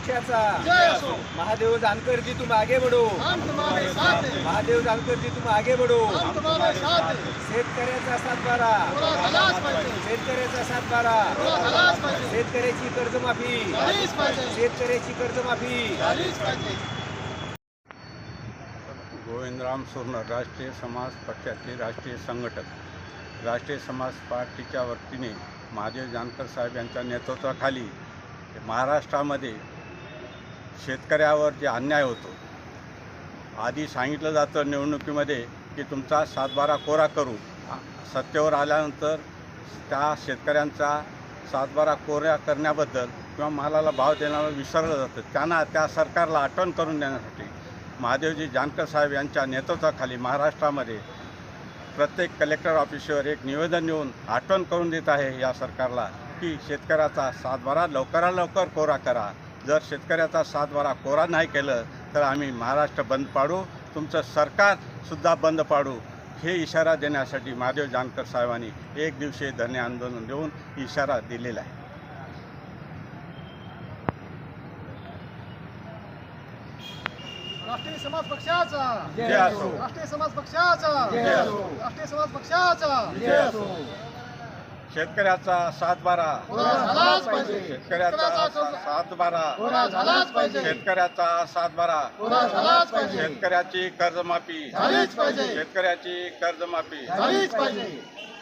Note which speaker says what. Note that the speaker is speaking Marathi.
Speaker 1: पक्षाचा
Speaker 2: जय असो।
Speaker 1: महादेव जानकर जी तुम आगे बढ़ो,
Speaker 2: हम तुम्हारे साथ हैं,
Speaker 1: महादेव जानकर जी तुम आगे बढ़ो।
Speaker 2: हम तुम्हारे साथ हैं।
Speaker 1: शेतकऱ्याचा सातबारा,
Speaker 2: पुरा झालाच पाहिजे,
Speaker 1: शेतकऱ्याचा सातबारा,
Speaker 2: पुरा झालाच पाहिजे,
Speaker 1: शेतकऱ्याची कर्जमाफी,
Speaker 2: झालीच पाहिजे,
Speaker 1: शेतकऱ्याची कर्जमाफी।
Speaker 2: झालीच पाहिजे।
Speaker 3: गोविंदराम सोनर, राष्ट्रीय समाज पक्षाचे राष्ट्रीय संघटक, राष्ट्रीय समाज पार्टीच्या वतीने महादेव जानकर साहेब यांच्या नेतृत्वाखाली महाराष्ट्रामध्ये शेतकऱ्यावर जे अन्याय होतो, आधी सांगितलं जातं निवडणुकीमध्ये की तुमचा सातबारा कोरा करू, सत्तेवर आल्यानंतर त्या शेतकऱ्यांचा सातबारा कोरा करण्याबद्दल किंवा मालाला भाव देण्याला विसरलं जातं. त्यांना त्या सरकारला आठवण करून देण्यासाठी महादेवजी जानकर साहेब यांच्या नेतृत्वाखाली महाराष्ट्रामध्ये प्रत्येक कलेक्टर ऑफिसवर एक निवेदन देऊन आठवण करून देत आहे या सरकारला की शेतकऱ्याचा सातबारा लवकरात लवकर कोरा करा. जर शेतकऱ्याचा सातबारा कोरा नाही केलं तर आम्ही महाराष्ट्र बंद पाडू, तुमचं सरकारसुद्धा बंद पाडू. हे इशारा देण्यासाठी महादेव जानकर साहेबांनी एक दिवसीय धरणे आंदोलन देऊन इशारा दिलेला आहे.
Speaker 2: राष्ट्रीय समाज पक्षाचा
Speaker 3: जय असो.
Speaker 2: राष्ट्रीय समाज पक्षाचा
Speaker 3: जय असो.
Speaker 2: राष्ट्रीय समाज पक्षाचा
Speaker 3: जय असो. शेतकऱ्याचा सातबारा,
Speaker 2: पुरा झालाच पाहिजे,
Speaker 3: शेतकऱ्याचा सातबारा,
Speaker 2: पुरा झालाच पाहिजे,
Speaker 3: शेतकऱ्याचा सातबारा,
Speaker 2: पुरा झालाच पाहिजे,
Speaker 3: शेतकऱ्याची कर्जमाफी,
Speaker 2: झालीच पाहिजे,
Speaker 3: शेतकऱ्याची कर्जमाफी.
Speaker 2: झालीच पाहिजे.